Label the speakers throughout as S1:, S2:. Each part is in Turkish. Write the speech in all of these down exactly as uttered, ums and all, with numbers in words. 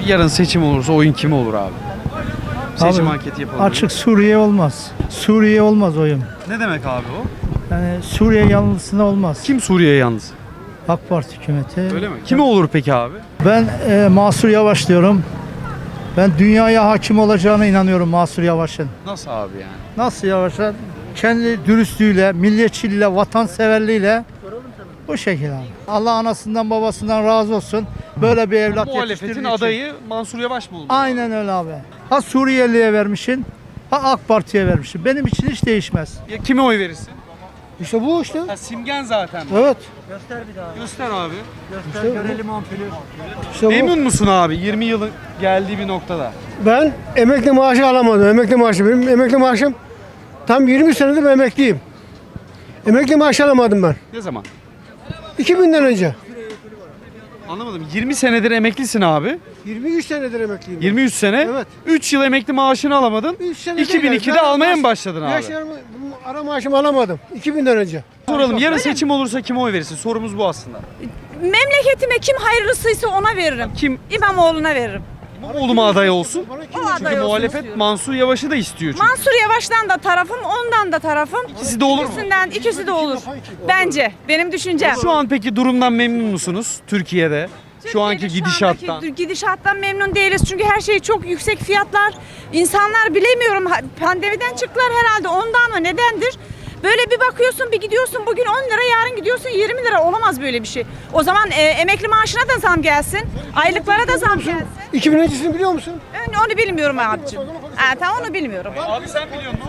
S1: Yarın seçim olursa oyun kime olur abi? Seçim
S2: Abi,
S1: anketi yapalım.
S2: Açık Suriye olmaz. Suriye olmaz oyun.
S1: Ne demek abi o?
S2: Yani Suriye yanlısına olmaz.
S1: Kim Suriye yalnız?
S2: AK Parti hükümeti.
S1: Öyle mi? Kime olur peki abi?
S2: Ben e, Mansur Yavaş diyorum. Ben dünyaya hakim olacağına inanıyorum Mansur Yavaş'ın.
S1: Nasıl abi yani?
S2: Nasıl Yavaş'a? Kendi dürüstlüğüyle, milliyetçiliğiyle, vatanseverliğiyle bu şekilde abi. Allah anasından babasından razı olsun. Böyle bir evlat
S1: Muhalefetin
S2: yetiştirdiği için.
S1: adayı Mansur Yavaş mı oldu?
S2: Aynen öyle abi. Ha Suriyeli'ye vermişsin, ha AK Parti'ye vermişsin. Benim için hiç değişmez.
S1: Ya kime oy verirsin?
S2: İşte bu işte.
S1: Ha, simgen zaten.
S2: Evet.
S1: Göster abi.
S2: İşte görelim İşte bu.
S1: Memnun musun abi yirmi yılın geldiği bir noktada?
S3: Ben emekli maaşı alamadım. Emekli maaşı. Benim emekli maaşım tam yirmi senedir emekliyim. Emekli maaşı alamadım ben.
S1: Ne zaman?
S3: iki binden önce.
S1: Anlamadım. yirmi senedir emeklisin abi.
S3: yirmi üç senedir emekliyim. ben.
S1: yirmi üç sene.
S3: Evet.
S1: üç yıl emekli maaşını alamadın.
S3: üç senedir
S1: iki bin ikide
S3: yani.
S1: almaya
S3: Maaş-
S1: mı başladın abi?
S3: Yaşlarımı, bu ara maaşımı alamadım. iki binden önce.
S1: Soralım. Yarın seçim olursa kime oy verirsin? Sorumuz bu aslında.
S4: Memleketime kim hayırlısıysa ona veririm.
S1: Kim?
S4: İmamoğlu'na veririm.
S1: İmamoğlu mu aday olsun?
S3: Bana kim
S4: O aday
S1: Çünkü
S4: olsun
S1: muhalefet
S4: istiyorum.
S1: Mansur Yavaş'ı da istiyor çünkü.
S4: Mansur Yavaş'tan da tarafım, ondan da tarafım.
S1: İkisi de olur mu?
S4: İkisinden, ikisi de olur. Bence. Benim düşüncem.
S1: Şu an peki durumdan memnun musunuz Türkiye'de? Şu anki
S4: Türkiye'de
S1: gidişattan.
S4: andaki gidişattan memnun değiliz. Çünkü her şey çok yüksek fiyatlar. İnsanlar bilemiyorum ha- pandemiden çıktılar herhalde ondan mı nedendir? Böyle bir bakıyorsun bir gidiyorsun bugün on lira yarın gidiyorsun yirmi lira olamaz böyle bir şey. O zaman e, emekli maaşına da zam gelsin. Aylıklara da zam gelsin.
S3: iki bin öncesini biliyor musun?
S4: Ön- Onu bilmiyorum abicim. Ha, tamam onu bilmiyorum.
S1: Abi sen biliyor musun?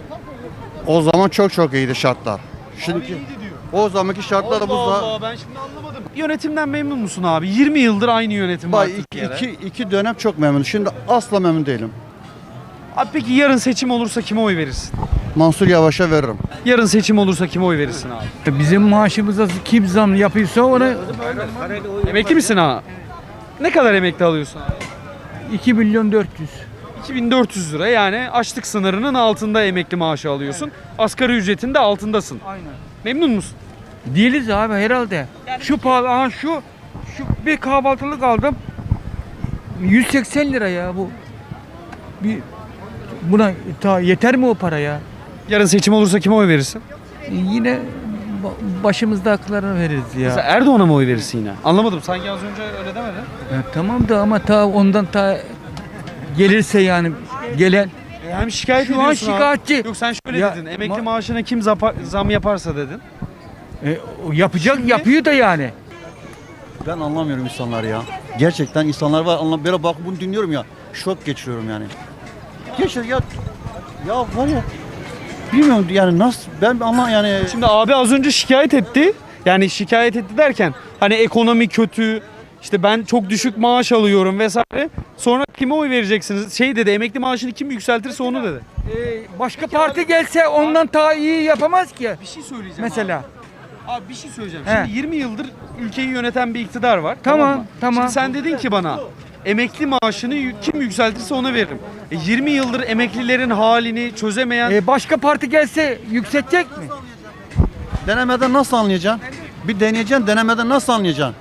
S5: O zaman çok çok iyiydi şartlar. Şimdiki o zamanki şartlar da bu
S1: Allah
S5: za-
S1: Allah ben şimdi anlamadım. Yönetimden memnun musun abi? yirmi yıldır aynı yönetim var
S5: Bak iki,
S1: Türkiye'de.
S5: iki, iki dönem çok memnunum. Şimdi asla memnun değilim.
S1: Abi peki yarın seçim olursa kime oy verirsin?
S5: Mansur Yavaş'a veririm.
S1: Yarın seçim olursa kime oy verirsin abi?
S6: Bizim maaşımıza kim zam yapıyorsa ona
S1: Emekli misin ha? Ne kadar emekli alıyorsun abi?
S6: iki milyon dört yüz.
S1: iki bin dört yüz lira yani açlık sınırının altında emekli maaşı alıyorsun. Asgari ücretin de altındasın.
S6: Aynen.
S1: Memnun musun?
S6: Değiliz abi herhalde. Şu pahalı, aha şu şu bir kahvaltılık aldım. yüz seksen lira ya bu. Bir buna ta yeter mi o para ya?
S1: Yarın seçim olursa kime oy verirsin?
S6: E, Yine ba- başımızda haklarını veririz
S1: Mesela
S6: ya.
S1: Erdoğan'a mı oy verirsin yine? Anlamadım. Sanki az önce öyle demedin.
S6: Ya tamam da ama ta ondan ta gelirse yani gelen
S1: Hem şikayet
S6: Şu an
S1: ediyorsun abi.
S6: şikayetçi.
S1: Yok sen şöyle
S6: Ya,
S1: dedin. Emekli
S6: ma-
S1: maaşına kim zapa- zam yaparsa dedin.
S6: e, o yapacak yapıyor da yani.
S5: Ben anlamıyorum insanlar ya. Gerçekten insanlar var. Anlam böyle bak bunu dinliyorum ya. Şok geçiriyorum yani. Geçir ya. Ya var ya. Bilmiyorum yani nasıl ben anlam yani.
S1: Şimdi abi az önce şikayet etti. Yani şikayet etti derken hani ekonomi kötü, işte ben çok düşük maaş alıyorum vesaire. Sonra kime oy vereceksiniz? Şey dedi, emekli maaşını kim yükseltirse onu dedi.
S6: E, başka parti gelse ondan daha iyi yapamaz ki.
S1: Bir şey söyleyeceğim
S6: Mesela.
S1: Abi, Abi bir şey söyleyeceğim.
S6: He.
S1: Şimdi yirmi yıldır ülkeyi yöneten bir iktidar var.
S6: Tamam,
S1: mı?
S6: tamam.
S1: Şimdi sen dedin ki bana emekli maaşını y- kim yükseltirse ona veririm. E, yirmi yıldır emeklilerin halini çözemeyen
S6: E, başka parti gelse yükseltecek mi?
S5: Denemeden nasıl anlayacaksın? Bir deneyeceksin, denemeden nasıl anlayacaksın?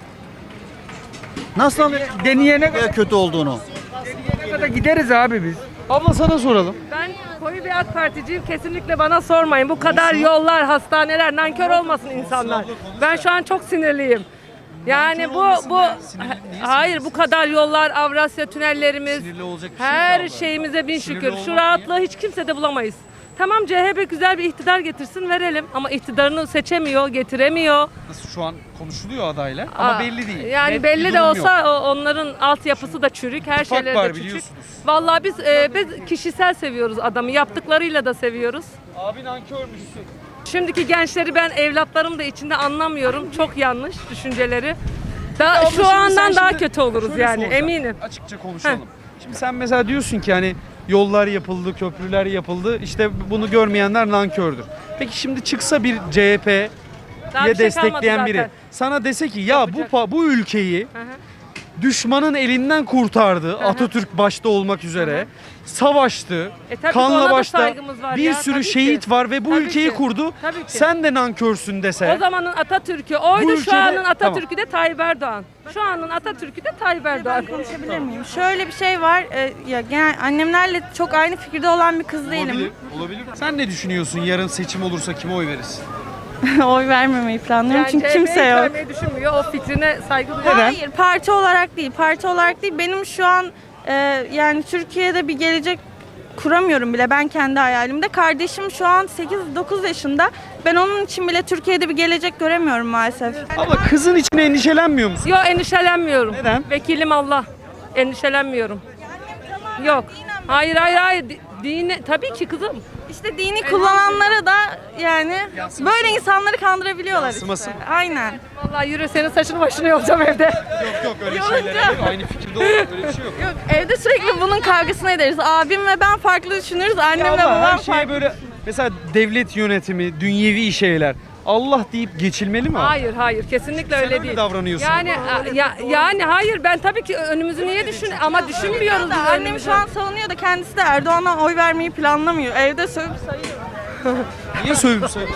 S5: Nasıl anlayacaksın
S6: Deneyene
S5: ne
S6: kadar,
S5: kötü olduğunu?
S6: deneyene kadar gideriz abi biz.
S1: abla sana soralım.
S7: Ben koyu bir AK Particiyim. Kesinlikle bana sormayın. Bu kadar yollar, hastaneler, nankör olmasın insanlar. Ben şu an çok sinirliyim. Yani bu bu hayır bu kadar yollar, Avrasya tünellerimiz,
S1: Sinirli olacak bir şey yok
S7: her
S1: abla.
S7: şeyimize bin
S1: Sinirli
S7: şükür.
S1: olmak
S7: Şu
S1: niye?
S7: rahatlığı hiç kimsede bulamayız. Tamam C H P güzel bir iktidar getirsin verelim ama iktidarını seçemiyor, getiremiyor.
S1: Nasıl şu an konuşuluyor adayla ama
S7: Aa,
S1: belli değil.
S7: Yani
S1: Net bir
S7: belli de
S1: durum
S7: olsa
S1: yok.
S7: o- onların altyapısı da çürük, her
S1: İttifak
S7: şeyleri
S1: var
S7: de çürük.
S1: biliyorsunuz.
S7: Vallahi biz e, biz kişisel seviyoruz adamı, yaptıklarıyla da seviyoruz.
S1: Abi nankörmüşsün.
S7: Şimdiki gençleri ben evlatlarım da içinde anlamıyorum. Çok yanlış düşünceleri. Da
S1: Abla
S7: şu
S1: şimdi sen
S7: andan daha
S1: şimdi
S7: kötü oluruz
S1: şöyle
S7: yani
S1: soracağım.
S7: eminim.
S1: Açıkça konuşalım. Şimdi sen mesela diyorsun ki hani yollar yapıldı, köprüler yapıldı. İşte bunu görmeyenler nankördür. Peki şimdi çıksa bir C H P'ye
S7: Daha bir şey kalmadı
S1: destekleyen biri
S7: zaten.
S1: sana dese ki ya bu
S7: Yapacak.
S1: pa- bu ülkeyi
S7: Hı hı.
S1: düşmanın elinden kurtardı. Atatürk başta olmak üzere. Savaştı.
S7: E tabii
S1: kanla
S7: ona da
S1: başta
S7: saygımız var
S1: bir
S7: ya,
S1: sürü
S7: tabii ki.
S1: şehit var ve bu
S7: Tabii
S1: ülkeyi
S7: ki.
S1: kurdu.
S7: Tabii ki.
S1: Sen de nankörsün dese.
S7: O zamanın Atatürk'ü
S1: Bu
S7: oydu,
S1: ülkede-
S7: şu anın Atatürk'ü de Tayyip Erdoğan. Şu anın Atatürk'ü de Tayyip Erdoğan.
S4: Konuşabilir miyim? Şöyle bir şey var. e, ya genel annemlerle çok aynı fikirde olan bir kız değilim.
S1: Olabilir, olabilir. Sen ne düşünüyorsun? Yarın seçim olursa kime oy verirsin?
S4: Oy vermemeyi planlıyorum
S7: Yani
S4: çünkü
S7: C H P'yi
S4: kimse yok.
S7: vermeyi düşünmüyor. O fikrine saygı duyuyorum.
S4: Hayır, parti olarak değil. Parti olarak değil. Benim şu an e, yani Türkiye'de bir gelecek kuramıyorum bile ben kendi hayalimde. Kardeşim şu an sekiz dokuz yaşında. Ben onun için bile Türkiye'de bir gelecek göremiyorum maalesef.
S1: Abla kızın için endişelenmiyor musun?
S7: Yok, endişelenmiyorum.
S1: Neden?
S7: Vekilim Allah. Endişelenmiyorum. Yok. Hayır hayır hayır. Di- Dini tabii ki kızım.
S4: İşte dini kullananlara da yani böyle insanları kandırabiliyorlar
S1: Yansıması
S4: işte.
S1: mı?
S4: Aynen.
S7: Vallahi yürü, senin saçını başını yolacağım evde.
S1: Yok yok öyle
S4: Yolunca-
S1: şeyler yok. Aynı fikirde olur. Öyle bir şey yok.
S4: Yok, evde sürekli bunun kavgasını ederiz. Abim ve ben farklı düşünürüz. Annem
S1: Ya
S4: ve
S1: abla, her
S4: babam
S1: şeye
S4: farklı.
S1: böyle mesela devlet yönetimi, dünyevi şeyler. Allah deyip geçilmeli mi? abi?
S7: Hayır hayır, kesinlikle
S1: Sen
S7: öyle
S1: öyle
S7: değil.
S1: davranıyorsun.
S7: Yani a- ya, yani hayır, ben tabii ki önümüzü niye düşün ama düşünmüyoruz biz
S4: Annem
S7: önümüzü.
S4: şu an savunuyor da kendisi de Erdoğan'a oy vermeyi planlamıyor. Evde sövüp sayıyor.
S1: Niye sövüp söylüyorsun?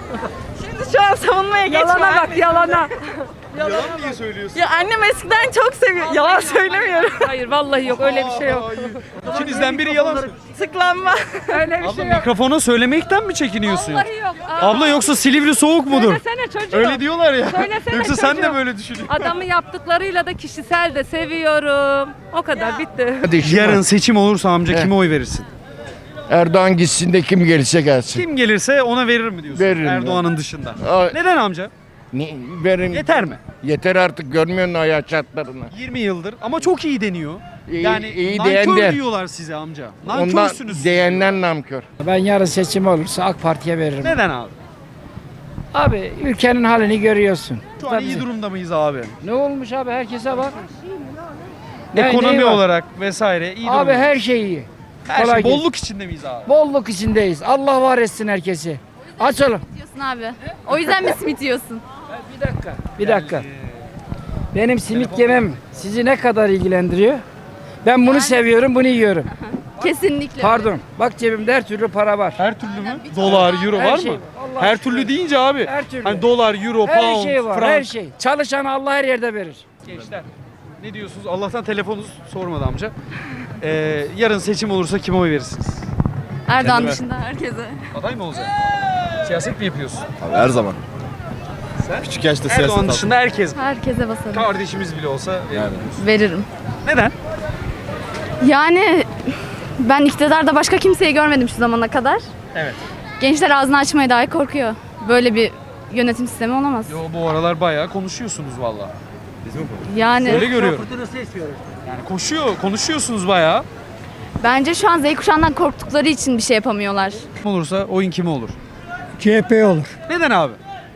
S4: Şimdi şu an savunmaya
S7: Yalana
S4: geçme.
S7: bak, yalana.
S1: Yalan niye söylüyorsun?
S4: Ya annem eskiden çok seviyor. Yalan söylemiyorum.
S7: Hayır vallahi yok, öyle bir şey yok.
S1: Hayır. İkinizden biri yalan söylüyor.
S4: Tıklanma.
S7: Öyle bir
S1: Abla
S7: şey yok.
S1: mikrofona söylemekten mi çekiniyorsun?
S7: Vallahi yok. Aa,
S1: Abla yoksa Silivri soğuk mudur?
S7: Söylesene çocuğum.
S1: Öyle diyorlar ya.
S7: Söylesene
S1: Yoksa sen de
S7: çocuğum.
S1: böyle düşünüyorsun.
S7: Adamı yaptıklarıyla da kişisel de seviyorum. O kadar, bitti.
S1: Yarın seçim olursa amca kime oy verirsin?
S8: Erdoğan gitsin de kim gelirse gelsin.
S1: Kim gelirse ona verir mi diyorsun?
S8: Veririm
S1: Erdoğan'ın dışında.
S8: Aa,
S1: Neden amca?
S8: ne, verin.
S1: Yeter mi?
S8: Yeter artık, görmüyor musun hayat şartlarını?
S1: yirmi yıldır ama çok iyi deniyor.
S8: İyi-
S1: yani
S8: iyi
S1: nankör
S8: diyen de.
S1: diyorlar size amca.
S8: Ondan
S1: Nankörsünüz.
S8: diyenler namkör.
S9: Ben yarın seçim olursa AK Parti'ye veririm.
S1: Neden abi?
S9: Abi ülkenin halini görüyorsun.
S1: Şu an
S9: Tabii.
S1: iyi durumda mıyız abi?
S9: Ne olmuş abi, herkese bak. Ne-
S1: Ekonomi
S9: neyi var?
S1: olarak vesaire iyi
S9: Abi
S1: durumda.
S9: her şey iyi.
S1: Her
S9: kolay
S1: şey
S9: gelsin.
S1: bolluk içinde miyiz abi?
S9: Bolluk içindeyiz. Allah var etsin herkesi. Açalım.
S10: Diyorsun abi. O yüzden mi simit yiyorsun?
S9: Bir dakika. Bir dakika. Benim simit yemem sizi ne kadar ilgilendiriyor? Ben bunu seviyorum, bunu yiyorum.
S10: Kesinlikle.
S9: Pardon. Bak cebimde her türlü para var.
S1: Her türlü mü? Dolar, euro
S9: Her
S1: var
S9: şey
S1: mı?
S9: var. Allah
S1: Her
S9: aşkına.
S1: türlü deyince abi.
S9: Her türlü.
S1: Hani dolar, euro,
S9: Her
S1: pound,
S9: şey var,
S1: frank.
S9: her şey. Çalışanı Allah her yerde verir.
S1: Gençler ne diyorsunuz? Allah'tan telefonu sormadı amca. Ee, yarın seçim olursa kime oy verirsiniz?
S10: Erdoğan
S1: Kendime.
S10: dışında herkese.
S1: Aday mı olacak? Siyaset mi yapıyorsun?
S11: Abi her zaman.
S1: Sen?
S11: Küçük yaşta siyaset
S1: Erdoğan
S11: aldım.
S1: dışında herkes.
S10: Herkese basarım.
S1: Kardeşimiz bile olsa
S11: Yani.
S10: Veririm.
S1: neden?
S10: Yani ben iktidarda başka kimseyi görmedim şu zamana kadar.
S1: Evet.
S10: Gençler ağzını açmaya dahi korkuyor. Böyle bir yönetim sistemi olamaz.
S1: Yo bu aralar bayağı konuşuyorsunuz valla.
S10: Yani
S1: Öyle görüyorum. Yani koşuyor, konuşuyorsunuz bayağı.
S10: bence şu an Z kuşağından korktukları için bir şey yapamıyorlar.
S1: Kim olursa oyun kime olur?
S3: C H P olur.
S1: Neden abi?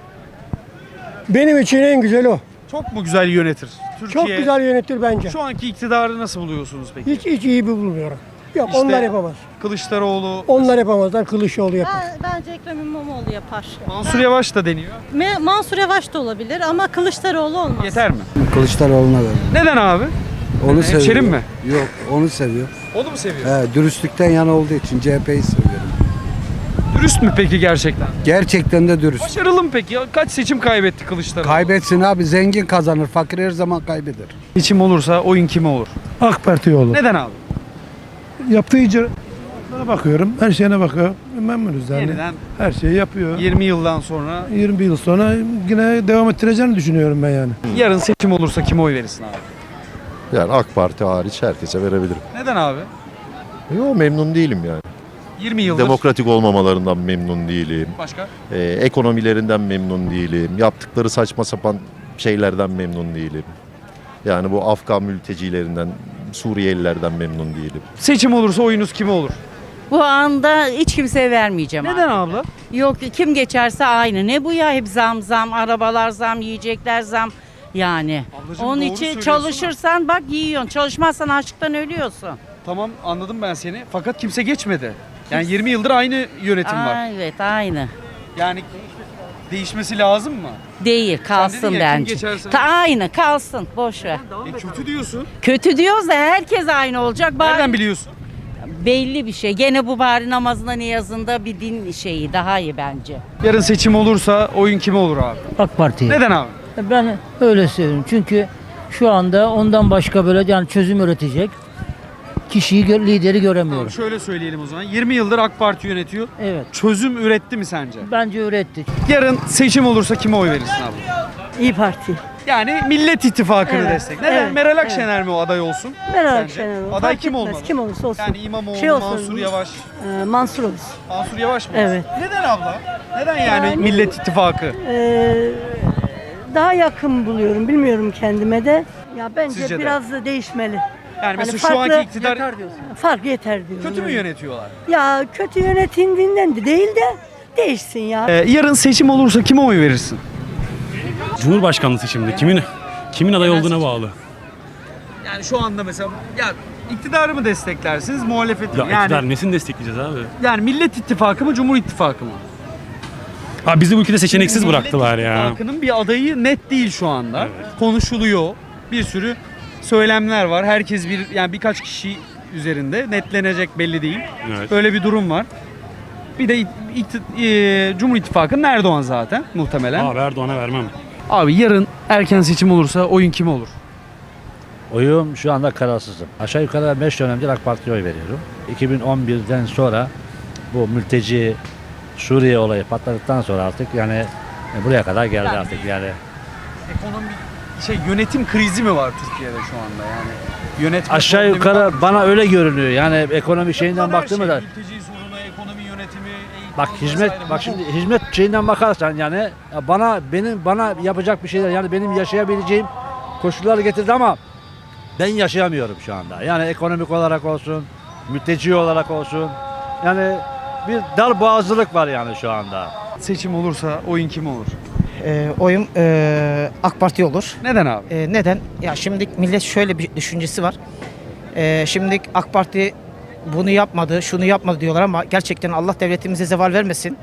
S3: Benim için en güzel o.
S1: Çok mu güzel yönetir? Türkiye,
S3: Çok güzel yönetir bence.
S1: Şu anki iktidarı nasıl buluyorsunuz peki?
S3: Hiç hiç iyi bir bulmuyorum. Yok
S1: İşte-
S3: onlar yapamaz.
S1: Kılıçdaroğlu,
S3: Onlar yapamazlar. Kılıçdaroğlu yapar.
S12: Bence Ekrem İmamoğlu yapar.
S1: Mansur Yavaş da deniyor.
S12: Me- Mansur Yavaş da olabilir ama Kılıçdaroğlu olmaz.
S1: Yeter mi?
S13: Kılıçdaroğlu'na verir.
S1: Neden abi?
S13: Onu
S1: Hemşerim
S13: seviyor.
S1: mi?
S13: Yok, onu seviyor.
S1: Onu mu seviyor?
S13: He, dürüstlükten yana olduğu için C H P'yi seviyorum.
S1: Dürüst mü peki gerçekten?
S13: Gerçekten de dürüst.
S1: Başarılı mı peki? Ya Kaç seçim kaybetti Kılıçdaroğlu?
S13: Kaybetsin abi, zengin kazanır, fakir her zaman kaybeder.
S1: Seçim olursa oyun kime olur?
S3: AK Parti olur.
S1: Neden abi?
S3: Yaptığı icraatlara bakıyorum. Her şeyine bakıyor. Memnunuz yani.
S1: Yeniden
S3: Her şeyi yapıyor.
S1: yirmi yıldan sonra
S3: yirmi yıl sonra yine devam ettireceğini düşünüyorum ben yani.
S1: yarın seçim olursa kime oy verirsin abi?
S11: Yani AK Parti hariç herkese verebilirim.
S1: Neden abi?
S11: Yo, memnun değilim yani.
S1: yirmi yıldır.
S11: Demokratik olmamalarından memnun değilim.
S1: Başka?
S11: Ee, ekonomilerinden memnun değilim. Yaptıkları saçma sapan şeylerden memnun değilim. Yani bu Afgan mültecilerinden, Suriyelilerden memnun değilim.
S1: Seçim olursa oyunuz kime olur?
S12: Bu anda hiç kimseye vermeyeceğim.
S1: Neden abla?
S12: Yok, kim geçerse aynı. Ne bu ya, hep zam zam, arabalar zam, yiyecekler zam. Yani.
S1: Ablacığım
S12: Onun
S1: doğru
S12: için
S1: söylüyorsun
S12: çalışırsan bak yiyorsun. Çalışmazsan açlıktan ölüyorsun.
S1: Tamam anladım ben seni. Fakat kimse geçmedi. Yani yirmi yıldır aynı yönetim var.
S12: Aa, evet aynı.
S1: Yani Değişmesi lazım mı?
S12: Değil,
S1: dedin
S12: kalsın
S1: ya, kim
S12: bence.
S1: geçerse-
S12: Ta aynı kalsın, boş ver.
S1: E kötü diyorsun.
S12: Kötü diyoruz da herkes aynı olacak. Bari
S1: Nereden biliyorsun?
S12: belli bir şey. Gene bu bari namazında niyazında bir din şeyi daha iyi bence.
S1: Yarın seçim olursa oyun kime olur abi?
S9: AK Parti'ye.
S1: Neden abi?
S9: Ben öyle söylüyorum. Çünkü şu anda ondan başka böyle yani çözüm üretecek kişiyi, gö- lideri göremiyorum.
S1: Abi şöyle söyleyelim o zaman. yirmi yıldır AK Parti yönetiyor.
S9: Evet.
S1: Çözüm üretti mi sence?
S9: Bence üretti.
S1: Yarın seçim olursa kime oy verirsin abi?
S9: İyi Parti.
S1: Yani Millet İttifakı'nı
S9: Evet,
S1: destek. Neden?
S9: evet,
S1: Meral Akşener mi o aday olsun?
S9: Meral
S1: Sence?
S9: Akşener olsun.
S1: Aday
S9: Fark
S1: kim
S9: etmez,
S1: olmalı?
S9: kim olursa olsun.
S1: Yani İmamoğlu,
S9: Şey olsun,
S1: Mansur Yavaş.
S9: Ee, Mansur olsun.
S1: Mansur Yavaş mı?
S9: Evet.
S1: Neden abla? Neden yani,
S9: Yani-
S1: Millet İttifakı?
S9: Ee, daha yakın buluyorum. Bilmiyorum kendime de. Ya bence
S1: Sizce de?
S9: biraz da değişmeli.
S1: Yani mesela
S9: Hani
S1: şu
S9: farklı-
S1: anki iktidar
S9: Fark yeter diyorum.
S1: kötü mü
S9: yani.
S1: yönetiyorlar?
S9: Ya kötü yönetildiğinden de değil de değişsin ya.
S1: Ee, yarın seçim olursa kime oy verirsin?
S14: Cumhurbaşkanlığı seçiminde kimin kimin aday olduğuna bağlı.
S1: Yani şu anda mesela ya iktidarı mı desteklersiniz, muhalefeti
S14: Ya
S1: mi? Yani,
S14: iktidar nesini destekleyeceğiz abi?
S1: yani Millet İttifakı mı, Cumhur İttifakı mı?
S14: Abi bizi bu ülkede seçeneksiz
S1: Millet
S14: bıraktılar ya.
S1: İttifakı'nın bir adayı net değil şu anda.
S14: Evet.
S1: Konuşuluyor. Bir sürü söylemler var. Herkes bir yani birkaç kişi üzerinde netlenecek belli değil.
S14: Evet.
S1: Böyle bir durum var. Bir de ikti- e, Cumhur İttifakı'nın Erdoğan zaten muhtemelen.
S14: Abi Erdoğan'a vermem.
S1: Abi yarın erken seçim olursa oyun kime olur?
S9: Oyum şu anda kararsızım. Aşağı yukarı beş dönemdir AK Parti'ye oy veriyorum. iki bin on birden sonra bu mülteci Suriye olayı patladıktan sonra artık yani buraya kadar geldi
S1: Yani-
S9: artık yani.
S1: Ekonomi şey yönetim krizi mi var Türkiye'de şu anda yani? Yönetme
S9: Aşağı
S1: problemi var
S9: yukarı
S1: mı?
S9: bana öyle görünüyor. Yani ekonomi şeyinden
S1: Her
S9: baktığımda
S1: şey,
S9: da
S1: mülteci sorunu, ekonomi yönetimi, eğitim
S9: bak hizmet
S1: vesaire.
S9: bak şimdi hizmet şeyinden bakarsan yani ya bana benim bana yapacak bir şeyler yani benim yaşayabileceğim koşulları getirdi ama ben yaşayamıyorum şu anda. Yani ekonomik olarak olsun, mülteci olarak olsun. Yani bir dar boğazlılık var yani şu anda.
S1: Seçim olursa oyun kime olur?
S15: Ee, oyum ee, AK Parti olur.
S1: Neden abi?
S15: Ee, neden? Ya şimdi millet şöyle bir düşüncesi var. Ee, şimdi AK Parti bunu yapmadı, şunu yapmadı diyorlar ama gerçekten Allah devletimize zeval vermesin.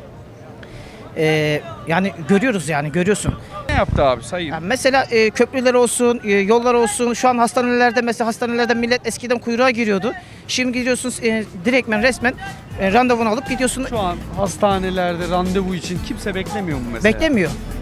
S15: Ee, yani görüyoruz yani görüyorsun.
S1: Ne yaptı abi sayayım.
S15: Yani mesela e, köprüler olsun, e, yollar olsun. Şu an hastanelerde mesela hastanelerde millet eskiden kuyruğa giriyordu. Şimdi gidiyorsunuz e, direktmen resmen e, randevunu alıp gidiyorsun.
S1: Şu an hastanelerde randevu için kimse beklemiyor mu mesela?
S15: Beklemiyor.